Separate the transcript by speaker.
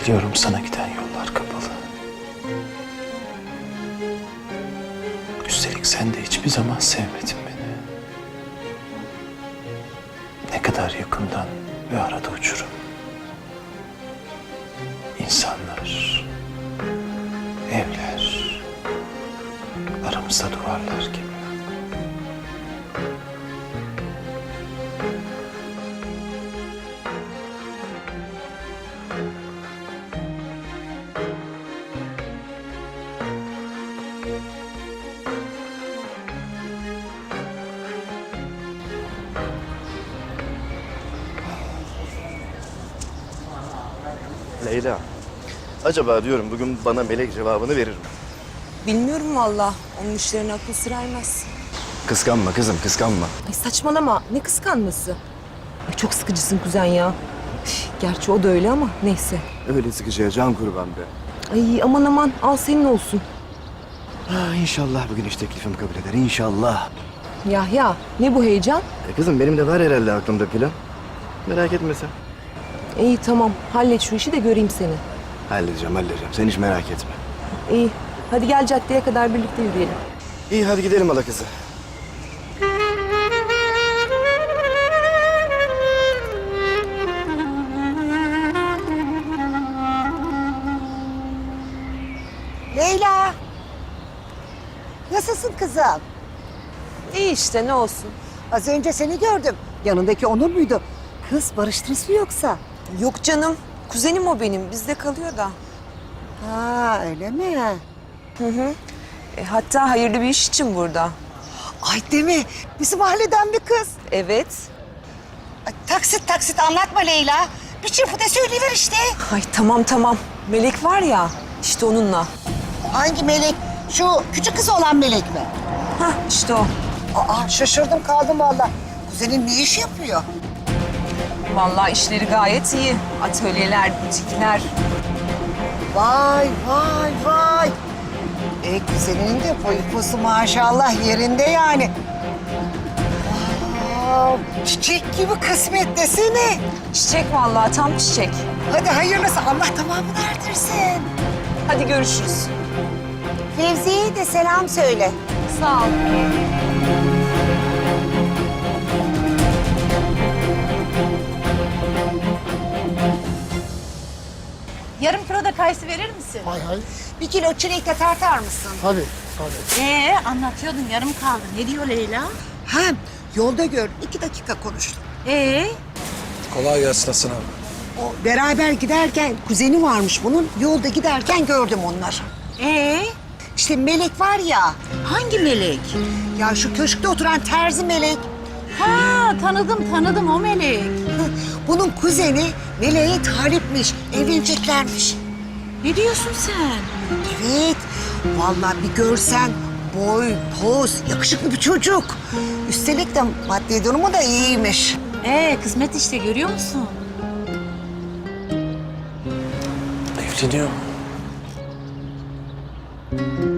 Speaker 1: Biliyorum sana giden yollar kapalı. Üstelik sen de hiçbir zaman sevmedin beni. Ne kadar yakından ve arada uçurum. İnsanlar, evler, aramızda duvarlar gibi.
Speaker 2: Leyla, acaba diyorum bugün bana Melek cevabını verir mi?
Speaker 3: Bilmiyorum valla. Onun işlerine akıl sır ermez.
Speaker 2: Kıskanma kızım, kıskanma.
Speaker 3: Ay saçmalama. Ne kıskanması? Ay çok sıkıcısın kuzen ya. Üf, gerçi o da öyle ama neyse.
Speaker 2: Öyle sıkıcıya can kurban be.
Speaker 3: Ay aman aman al senin olsun.
Speaker 2: İnşallah bugün iş teklifimi kabul eder, inşallah.
Speaker 3: Yahya ne bu heyecan?
Speaker 2: Kızım benim de var herhalde aklımda plan. Merak etme sen.
Speaker 3: İyi tamam hallet şu işi de göreyim seni.
Speaker 2: Halledeceğim. Sen hiç merak etme.
Speaker 3: İyi hadi gel caddeye kadar birlikte yürüyelim.
Speaker 2: İyi hadi gidelim hala kızı.
Speaker 4: Leyla. Nasılsın kızım?
Speaker 3: İyi işte ne olsun.
Speaker 4: Az önce seni gördüm. Yanındaki Onur muydu? Kız barıştınız mı yoksa?
Speaker 3: Yok canım kuzenim o benim bizde kalıyor da.
Speaker 4: Ha öyle mi?
Speaker 3: Hatta hayırlı bir iş için burada.
Speaker 4: Ay değil mi? Bizim mahalleden bir kız.
Speaker 3: Evet.
Speaker 4: Ay, taksit anlatma Leyla. Bir çırpıda söyleyiver işte.
Speaker 3: Ay tamam. Melek var ya işte onunla.
Speaker 4: Hangi melek? Şu küçük kız olan melek mi?
Speaker 3: Hah işte o.
Speaker 4: Aa şaşırdım kaldım vallahi. Kuzenin ne iş yapıyor?
Speaker 3: Vallahi işleri gayet iyi. Atölyeler, butikler.
Speaker 4: Vay. Kuzeninin de boyu posu maşallah yerinde yani. Aa, çiçek gibi kısmet desene.
Speaker 3: Çiçek vallahi tam çiçek.
Speaker 4: Hadi hayırlısı Allah tamamını erdirsin.
Speaker 3: Hadi görüşürüz.
Speaker 4: Fevzi'ye de selam söyle.
Speaker 3: Sağ ol.
Speaker 5: Yarım kilo da kayısı verir misin?
Speaker 4: Bir kilo çilek de tartar mısın?
Speaker 5: Anlatıyordun yarım kaldı. Ne diyor Leyla?
Speaker 4: Ha, yolda gör. 2 dakika konuştum.
Speaker 1: Kolay gelsin Hasan abi.
Speaker 4: O beraber giderken kuzeni varmış bunun. Yolda giderken gördüm onları. İşte Melek var ya.
Speaker 5: Hangi melek?
Speaker 4: Ya şu köşkte oturan terzi Melek.
Speaker 5: Ha tanıdım o melek.
Speaker 4: Bunun kuzeni Melek'e talipmiş. Evleneceklermiş.
Speaker 5: Ne diyorsun sen?
Speaker 4: Evet. Vallahi bir görsen boy, poz, yakışıklı bir çocuk. Üstelik de maddi durumu da iyiymiş.
Speaker 5: Kısmet işte görüyor musun?
Speaker 1: Evleniyor mu?